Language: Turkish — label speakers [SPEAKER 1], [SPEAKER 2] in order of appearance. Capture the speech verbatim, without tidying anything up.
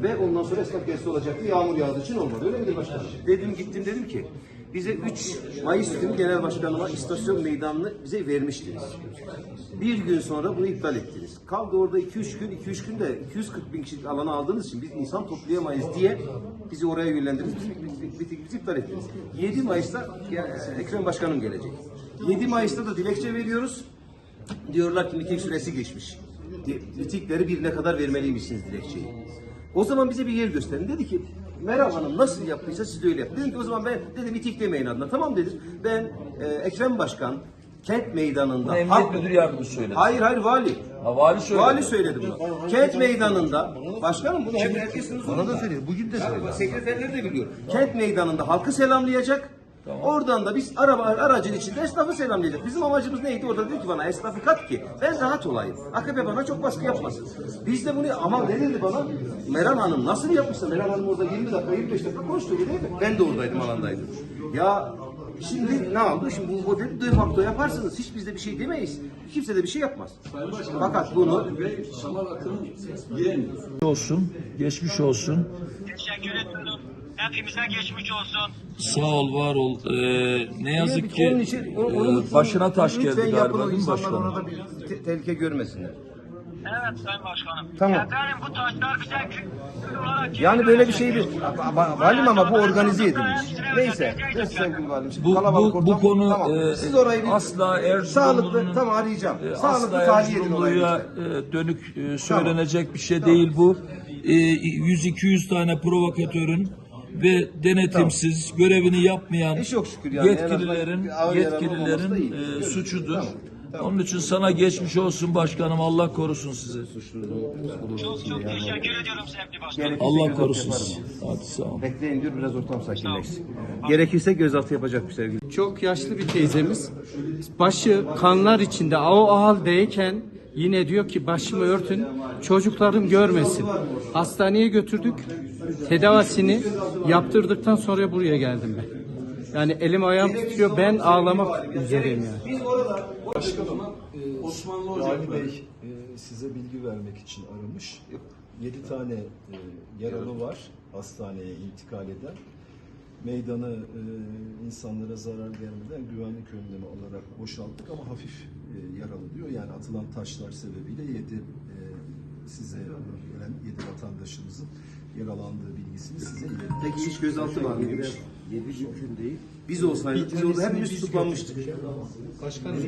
[SPEAKER 1] ve ondan sonra esnaf gezisi olacaktı. Yağmur yağdığı için olmadı. Öyle midir başkanım? Dedim gittim dedim ki bize üç Mayıs günü genel başkanıma istasyon meydanını bize vermiştiniz. Bir gün sonra bunu iptal ettiniz. Kaldı orada iki üç gün, iki üç günde iki yüz kırk bin kişilik alanı aldığınız için biz insan toplayamayız diye bizi oraya yönlendirdiniz. Biz, biz, biz iptal ettiniz. yedi Mayıs'ta Ekrem Başkanım gelecek. yedi Mayıs'ta da dilekçe veriyoruz. Diyorlar ki miting süresi geçmiş. Mitingleri birine kadar vermeliymişsiniz dilekçeyi. O zaman bize bir yer gösterin. Dedi ki Meral Hanım nasıl yaptıysa siz de öyle yapın. Dedim ki o zaman ben dedim miting demeyin adına. Tamam dedim. Ben e, Ekrem Başkan kent meydanında.
[SPEAKER 2] Bunu Emniyet
[SPEAKER 1] halk...
[SPEAKER 2] Müdür Yardımcısı söyledi.
[SPEAKER 1] Hayır hayır vali.
[SPEAKER 2] Ha, vali söyledi.
[SPEAKER 1] Vali söyledi bunu. Kent meydanında başkanım bunu hep herkesin
[SPEAKER 3] Bana da söylüyor. Bugün de söylüyor.
[SPEAKER 1] Sekreterleri de biliyor. Kent meydanında halkı selamlayacak. Tamam. Oradan da biz araba aracın içinde esnafı selamlayacak. Bizim amacımız neydi? Orada dedi ki bana esnafı kat ki ben rahat olayım. A K P bana çok baskı yapmasın. Biz de bunu ama ne dedi bana? Meral Hanım nasıl yapmışsa Meral Hanım orada yirmi dakika yirmi beş dakika konuştu değil mi? Ben de oradaydım alandaydım. Ya şimdi ne oldu? Şimdi bu modeli de facto yaparsınız. Hiç biz de bir şey demeyiz. Kimse de bir şey yapmaz. Fakat bunu
[SPEAKER 2] olsun, geçmiş olsun.
[SPEAKER 4] Teşekkür ederim. Hepimize geçmiş olsun.
[SPEAKER 2] Sağ ol, var ol. Ee, ne yazık ki
[SPEAKER 1] onun için, onun, onun
[SPEAKER 2] e, başına taş geldi
[SPEAKER 1] lütfen
[SPEAKER 2] galiba
[SPEAKER 1] yapın, o
[SPEAKER 2] değil mi
[SPEAKER 1] insanlar
[SPEAKER 2] başkanım?
[SPEAKER 1] orada bir te- tehlike görmesinler.
[SPEAKER 4] Evet Sayın Başkanım.
[SPEAKER 1] Tamam.
[SPEAKER 4] Efendim bu taşlar bize kül olarak
[SPEAKER 1] Yani böyle bir şeydi. Valim ama bu organize edilmiş. Neyse. Neyse sevgili valim. Şimdi
[SPEAKER 2] Bu,
[SPEAKER 1] kalabalık
[SPEAKER 2] bu, bu
[SPEAKER 1] ortam.
[SPEAKER 2] konu
[SPEAKER 1] Tamam.
[SPEAKER 2] e,
[SPEAKER 1] Siz orayı bir
[SPEAKER 2] asla
[SPEAKER 1] sağlıklı
[SPEAKER 2] Erzurumlu'nun
[SPEAKER 1] tamam arayacağım.
[SPEAKER 2] e,
[SPEAKER 1] Sağlıklı
[SPEAKER 2] asla
[SPEAKER 1] tahliye edin olayı.
[SPEAKER 2] Erzurumlu'ya
[SPEAKER 1] lütfen.
[SPEAKER 2] e, dönük e, söylenecek bir şey değil bu. E, yüz iki yüz tane provokatörün ve denetimsiz görevini yapmayan
[SPEAKER 1] Hiç yok şükür yani.
[SPEAKER 2] yetkililerin
[SPEAKER 1] En azından ağır yaralı olmaması da
[SPEAKER 2] yetkililerin
[SPEAKER 1] iyi.
[SPEAKER 2] e, suçudur. Onun için sana geçmiş olsun başkanım. Allah korusun sizi.
[SPEAKER 4] çok çok teşekkür ediyorum sevgili başkanım.
[SPEAKER 2] Allah korusun sizi. Hadi sağ ol.
[SPEAKER 1] Bekleyin diyor biraz ortam sakinleşsin. Gerekirse gözaltı yapacak bir sevgili.
[SPEAKER 5] Çok yaşlı bir teyzemiz. Başı kanlar içinde o haldeyken yine diyor ki başımı örtün çocuklarım görmesin. Hastaneye götürdük. Tedavisini yaptırdıktan sonra buraya geldim ben. Yani elim ayağım titriyor. Ben ağlamak üzereyim yani.
[SPEAKER 6] Başkanım, e, Osmanlı Vali Bey e, size bilgi vermek için aramış. Yedi tane e, yaralı var hastaneye intikal eden. Meydanı e, insanlara zarar gelmeden güvenlik önlemi alarak boşalttık ama hafif e, yaralı diyor. Yani atılan taşlar sebebiyle yedi e, size gelen yedi vatandaşımızın yaralandığı bilgisini size ilettik.
[SPEAKER 1] Peki hiç gözaltı var mıymış? Yedi mümkün değil. Biz olsaydık biz orada hepimiz tutuklanmıştık.